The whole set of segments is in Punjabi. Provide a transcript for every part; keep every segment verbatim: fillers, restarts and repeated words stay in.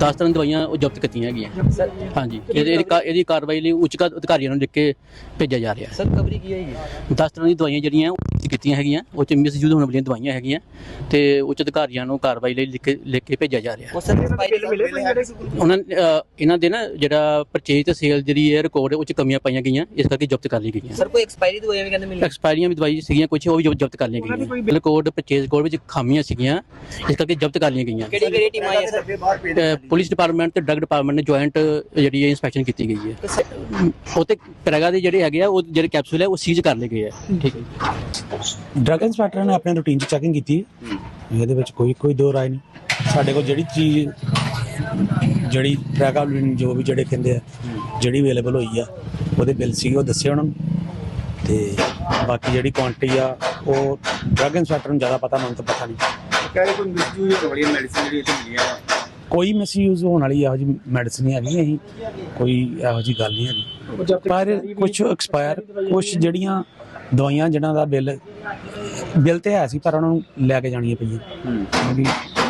ਦਸ ਤਰ੍ਹਾਂ ਦੀਆਂ ਦਵਾਈਆਂ ਉਹ ਜ਼ਬਤ ਕੀਤੀਆਂ ਹੈਗੀਆਂ। ਹਾਂਜੀ, ਇਹਦੀ ਇਹਦੀ ਕਾਰਵਾਈ ਲਈ ਉੱਚ ਅਧਿਕਾਰੀਆਂ ਨੂੰ ਲਿਖ ਕੇ ਭੇਜਿਆ ਜਾ ਰਿਹਾ। ਸਰ ਕਵਰੀ ਕੀ ਹੋਏਗੀ? ਦਸ ਤਰ੍ਹਾਂ ਦੀਆਂ ਦਵਾਈਆਂ ਜਿਹੜੀਆਂ ਉਹ ਕੀਤੀਆਂ ਹੈਗੀਆਂ, ਉਹ 'ਚ ਮਿਸਯੂਜ਼ ਹੋਣ ਵਾਲੀਆਂ ਦਵਾਈਆਂ ਹੈਗੀਆਂ ਤੇ ਉੱਚ ਅਧਿਕਾਰੀਆਂ ਨੂੰ ਕਾਰਵਾਈ ਲਈ ਲਿਖ ਕੇ ਲਿਖ ਕੇ ਭੇਜਿਆ ਜਾ ਰਿਹਾ। ਉਹ ਸਰ ਬਿੱਲ ਮਿਲੇ ਉਹਨਾਂ ਇਹਨਾਂ ਦੇ ਨਾ ਜਿਹੜਾ ਪਰਚੇਜ ਤੇ ਸੇਲ ਜਿਹੜੀ ਹੈ ਰਿਕਾਰਡ ਉਹ 'ਚ ਕਮੀਆਂ ਪਾਈਆਂ ਗਈਆਂ, ਇਸ ਕਰਕੇ ਜ਼ਬਤ ਕਰ ਲਈ ਗਈਆਂ। ਸਰ ਕੋਈ ਐਕਸਪਾਇਰੀ ਦਵਾਈਆਂ ਵੀ ਕਹਿੰਦੇ ਮਿਲੀ? ਐਕਸਪਾਇਰੀਆਂ ਵੀ ਦਵਾਈ ਸੀਗੀਆਂ ਕੁਝ, ਉਹ ਵੀ ਜ਼ਬਤ ਕਰ ਲਈਆਂ ਗਈਆਂ। ਰਿਕਾਰਡ ਪਰਚੇਜ ਕੋਡ ਵਿੱਚ ਖਾਮੀਆਂ ਸੀਗੀਆਂ, ਇਸ ਕਰਕੇ ਜ਼ਬਤ ਕਰ ਲਈਆਂ ਗਈਆਂ। ਕਿਹੜੀ ਕਿਹੜੀ ਟੀਮ ਆਈ ਹੈ ਸਰ? ਪੁਲਿਸ ਡਿਪਾਰਟਮੈਂਟ ਤੇ ਡਰੱਗ ਡਿਪਾਰਟਮੈਂਟ ਨੇ ਜੁਆਇੰਟ ਜਿਹੜੀ ਹੈ ਇੰਸਪੈਕਸ਼ਨ ਕੀਤੀ ਗਈ ਹੈ। ਉਹ ਤੇ ਪ੍ਰੈਗਾ ਦੇ ਜਿਹੜੇ ਹੈਗੇ ਆ ਉਹ ਜਿਹੜੇ ਕੈਪਸੂਲ ਹੈ ਉਹ ਸੀਜ਼ ਕਰ ਲਏ ਗਏ ਆ। ਠੀਕ ਹੈ, ਡਰੱਗ ਇੰਸਪੈਕਟਰ ਨੇ ਆਪਣੇ ਰੂਟੀਨ 'ਚ ਚੈਕਿੰਗ ਕੀਤੀ, ਇਹਦੇ ਵਿੱਚ ਕੋਈ ਕੋਈ ਦੋ ਰਾਏ ਨਹੀਂ। ਸਾਡੇ ਕੋਲ ਜਿਹੜੀ ਚੀਜ਼ ਜਿਹੜੀ ਪ੍ਰੈਗਾਬਲਿਨ ਜੋ ਵੀ ਜਿਹੜੇ ਕਹਿੰਦੇ ਆ ਜਿਹੜੀ ਅਵੇਲੇਬਲ ਹੋਈ ਆ ਉਹਦੇ ਬਿੱਲ ਸੀਗੇ ਉਹ ਦੱਸੇ ਉਹਨਾਂ ਨੂੰ, ਤੇ ਬਾਕੀ ਜਿਹੜੀ ਕੁਆਂਟੀਟੀ ਆ ਉਹ ਡਰੱਗ ਇੰਸਪੈਕਟਰ ਨੂੰ ਜ਼ਿਆਦਾ ਪਤਾ, ਮੈਨੂੰ ਤਾਂ ਪਤਾ ਨਹੀਂ। ਕਹਿ ਰਹੇ ਕੋਈ ਮਿਸਯੂਜ਼ ਹੋਣ ਵਾਲੀਆਂ ਮੈਡੀਸਿਨ ਜਿਹੜੀ ਇੱਥੇ ਮਿਲੀਆਂ ਵਾ? ਕੋਈ ਮਿਸਯੂਜ਼ ਹੋਣ ਵਾਲੀ ਇਹੋ ਜਿਹੀ ਮੈਡੀਸਨ ਨਹੀਂ ਹੈਗੀ, ਅਸੀਂ ਕੋਈ ਇਹੋ ਜਿਹੀ ਗੱਲ ਨਹੀਂ ਹੈਗੀ। ਪਰ ਕੁਝ ਐਕਸਪਾਇਰ, ਕੁਝ ਜਿਹੜੀਆਂ ਦਵਾਈਆਂ ਜਿਨ੍ਹਾਂ ਦਾ ਬਿੱਲ ਬਿੱਲ ਤੇ ਹੈ ਸੀ ਪਰ ਉਹਨਾਂ ਨੂੰ ਲੈ ਕੇ ਜਾਣੀਆਂ ਪਈਆਂ, ਕਿਉਂਕਿ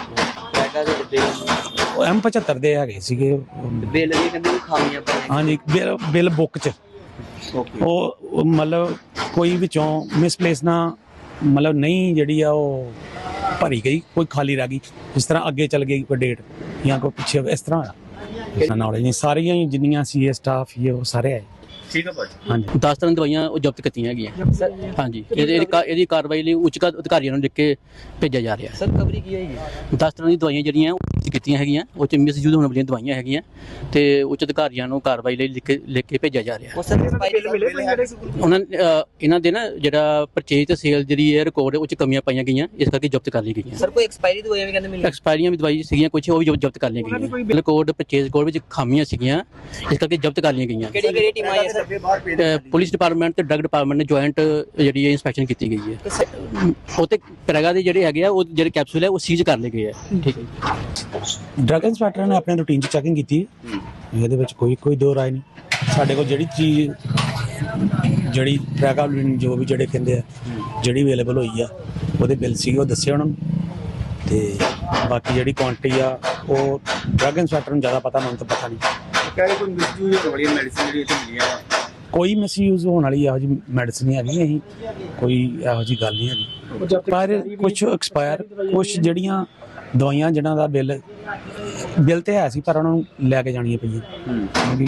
ਉਹ ਐਮ ਪਝੱਤਰ ਦੇ ਹੈਗੇ ਸੀਗੇ ਬਿੱਲ ਵੀ ਕਹਿੰਦੇ ਖਾਮੀਆਂ ਪਾਈਆਂ। ਹਾਂਜੀ, ਬਿੱਲ ਬਿੱਲ ਬੁੱਕ 'ਚ ਉਹ ਮਤਲਬ ਕੋਈ ਵਿੱਚੋਂ ਮਿਸਪਲੇਸ ਨਾ ਮਤਲਬ ਨਹੀਂ ਜਿਹੜੀ ਆ ਉਹ ਭਰੀ ਗਈ, ਕੋਈ ਖਾਲੀ ਰਹਿ ਗਈ, ਜਿਸ ਤਰ੍ਹਾਂ ਅੱਗੇ ਚੱਲ ਗਈ ਕੋਈ ਡੇਟ ਜਾਂ ਕੋਈ ਪਿੱਛੇ, ਇਸ ਤਰ੍ਹਾਂ ਹੋਇਆ। ਇਸ ਨੌਲੇਜ ਨਹੀਂ, ਸਾਰੀਆਂ ਹੀ ਜਿੰਨੀਆਂ ਸੀ ਸਟਾਫ ਇਹ ਉਹ ਸਾਰੇ ਆਏ। ਠੀਕ ਹੈ ਭਾਜੀ। ਹਾਂਜੀ, ਦਸ ਤਰ੍ਹਾਂ ਦੀਆਂ ਦਵਾਈਆਂ ਉਹ ਜ਼ਬਤ ਕੀਤੀਆਂ ਹੈਗੀਆਂ। ਹਾਂਜੀ, ਇਹਦੀ ਇਹਦੀ ਕਾਰਵਾਈ ਲਈ ਉੱਚ ਅਧਿਕਾਰੀਆਂ ਨੂੰ ਲਿਖ ਕੇ ਭੇਜਿਆ ਜਾ ਰਿਹਾ। ਸਰ ਕਵਰੀ ਕੀ ਹੋਏਗੀ? ਦਸ ਤਰ੍ਹਾਂ ਦੀਆਂ ਦਵਾਈਆਂ ਜਿਹੜੀਆਂ ਉਹ ਕੀਤੀਆਂ ਹੈਗੀਆਂ, ਉਹ 'ਚ ਮਿਸਯੂਜ਼ ਹੋਣ ਵਾਲੀਆਂ ਦਵਾਈਆਂ ਹੈਗੀਆਂ ਤੇ ਉੱਚ ਅਧਿਕਾਰੀਆਂ ਨੂੰ ਕਾਰਵਾਈ ਲਈ ਲਿਖ ਕੇ ਲਿਖ ਕੇ ਭੇਜਿਆ ਜਾ ਰਿਹਾ। ਉਹ ਸਰ ਬਿੱਲ ਮਿਲੇ ਉਹਨਾਂ ਇਹਨਾਂ ਦੇ ਨਾ ਜਿਹੜਾ ਪਰਚੇਜ ਤੇ ਸੇਲ ਜਿਹੜੀ ਹੈ ਰਿਕਾਰਡ ਉਹ 'ਚ ਕਮੀਆਂ ਪਾਈਆਂ ਗਈਆਂ, ਇਸ ਕਰਕੇ ਜ਼ਬਤ ਕਰ ਲਈ ਗਈਆਂ। ਸਰ ਕੋਈ ਐਕਸਪਾਇਰੀ ਦਵਾਈਆਂ ਵੀ ਕਹਿੰਦੇ ਮਿਲੀ? ਐਕਸਪਾਇਰੀਆਂ ਵੀ ਦਵਾਈ ਸੀਗੀਆਂ ਕੁਝ, ਉਹ ਵੀ ਜ਼ਬਤ ਕਰ ਲਈਆਂ ਗਈਆਂ। ਰਿਕਾਰਡ ਪਰਚੇਜ ਕੋਡ ਵਿੱਚ ਖਾਮੀਆਂ ਸੀਗੀਆਂ, ਇਸ ਕਰਕੇ ਜ਼ਬਤ ਕਰ ਲਈਆਂ ਗਈਆਂ। ਕਿਹੜੀ ਕਿਹੜੀ ਟੀਮ ਆਈ ਹੈ ਸਰ? ਪੁਲਿਸ ਡਿਪਾਰਟਮੈਂਟ ਤੇ ਡਰੱਗ ਡਿਪਾਰਟਮੈਂਟ ਨੇ ਜੁਆਇੰਟ ਜਿਹੜੀ ਹੈ ਇੰਸਪੈਕਸ਼ਨ ਕੀਤੀ ਗਈ ਹੈ। ਉਹ ਤੇ ਪ੍ਰੈਗਾ ਦੇ ਜਿਹੜੇ ਹੈਗੇ ਆ ਉਹ ਜਿਹੜੇ ਕੈਪਸੂਲ ਹੈ ਉਹ ਸੀਜ਼ ਕਰ ਲਏ ਗਏ ਆ। ਠੀਕ ਹੈ, ਡਰੱਗ ਇੰਸਪੈਕਟਰ ਨੇ ਆਪਣੇ ਰੂਟੀਨ 'ਚ ਚੈਕਿੰਗ ਕੀਤੀ, ਇਹਦੇ ਵਿੱਚ ਕੋਈ ਕੋਈ ਦੋ ਰਾਏ ਨਹੀਂ। ਸਾਡੇ ਕੋਲ ਜਿਹੜੀ ਚੀਜ਼ ਜਿਹੜੀ ਪ੍ਰੈਗਾਬਲਿਨ ਜੋ ਵੀ ਜਿਹੜੇ ਕਹਿੰਦੇ ਆ ਜਿਹੜੀ ਅਵੇਲੇਬਲ ਹੋਈ ਆ ਉਹਦੇ ਬਿੱਲ ਸੀਗੇ ਉਹ ਦੱਸੇ ਉਹਨਾਂ ਨੂੰ, ਤੇ ਬਾਕੀ ਜਿਹੜੀ ਕੁਆਂਟੀਟੀ ਆ ਉਹ ਡਰੱਗ ਇੰਸਪੈਕਟਰ ਨੂੰ ਜ਼ਿਆਦਾ ਪਤਾ, ਮੈਨੂੰ ਤਾਂ ਪਤਾ ਨਹੀਂ। ਕਹਿ ਰਹੇ ਕੋਈ ਮਿਸਯੂਜ਼ ਹੋਣ ਵਾਲੀਆਂ ਮੈਡੀਸਿਨ ਜਿਹੜੀ ਇੱਥੇ ਮਿਲੀਆਂ ਵਾ? ਕੋਈ ਮਿਸਯੂਜ਼ ਹੋਣ ਵਾਲੀ ਇਹੋ ਜਿਹੀ ਮੈਡੀਸਨ ਨਹੀਂ ਹੈਗੀ, ਅਸੀਂ ਕੋਈ ਇਹੋ ਜਿਹੀ ਗੱਲ ਨਹੀਂ ਹੈਗੀ। ਪਰ ਕੁਝ ਐਕਸਪਾਇਰ, ਕੁਝ ਜਿਹੜੀਆਂ ਦਵਾਈਆਂ ਜਿਨ੍ਹਾਂ ਦਾ ਬਿੱਲ ਬਿੱਲ ਤੇ ਹੈ ਸੀ ਪਰ ਉਹਨਾਂ ਨੂੰ ਲੈ ਕੇ ਜਾਣੀਆਂ ਪਈਆਂ, ਕਿਉਂਕਿ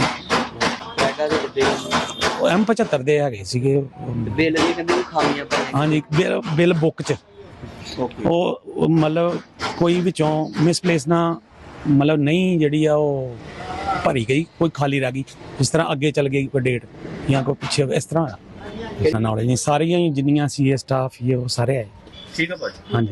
ਉਹ ਐਮ ਪਝੱਤਰ ਦੇ ਹੈਗੇ ਸੀਗੇ ਬਿੱਲ ਵੀ ਕਹਿੰਦੇ ਖਾਮੀਆਂ ਪਾਈਆਂ। ਹਾਂਜੀ, ਬਿੱਲ ਬਿੱਲ ਬੁੱਕ 'ਚ ਉਹ ਮਤਲਬ ਕੋਈ ਵਿੱਚੋਂ ਮਿਸਪਲੇਸ ਨਾ ਮਤਲਬ ਨਹੀਂ ਜਿਹੜੀ ਆ ਉਹ ਭਰੀ ਗਈ, ਕੋਈ ਖਾਲੀ ਰਹਿ ਗਈ, ਜਿਸ ਤਰ੍ਹਾਂ ਅੱਗੇ ਚੱਲ ਗਈ ਕੋਈ ਡੇਟ ਜਾਂ ਕੋਈ ਪਿੱਛੇ, ਇਸ ਤਰ੍ਹਾਂ ਹੋਇਆ। ਇਸ ਨੌਲੇਜ ਨਹੀਂ, ਸਾਰੀਆਂ ਹੀ ਜਿੰਨੀਆਂ ਸੀ ਸਟਾਫ ਇਹ ਉਹ ਸਾਰੇ ਆਏ। ਠੀਕ ਹੈ ਭਾਜੀ। ਹਾਂਜੀ।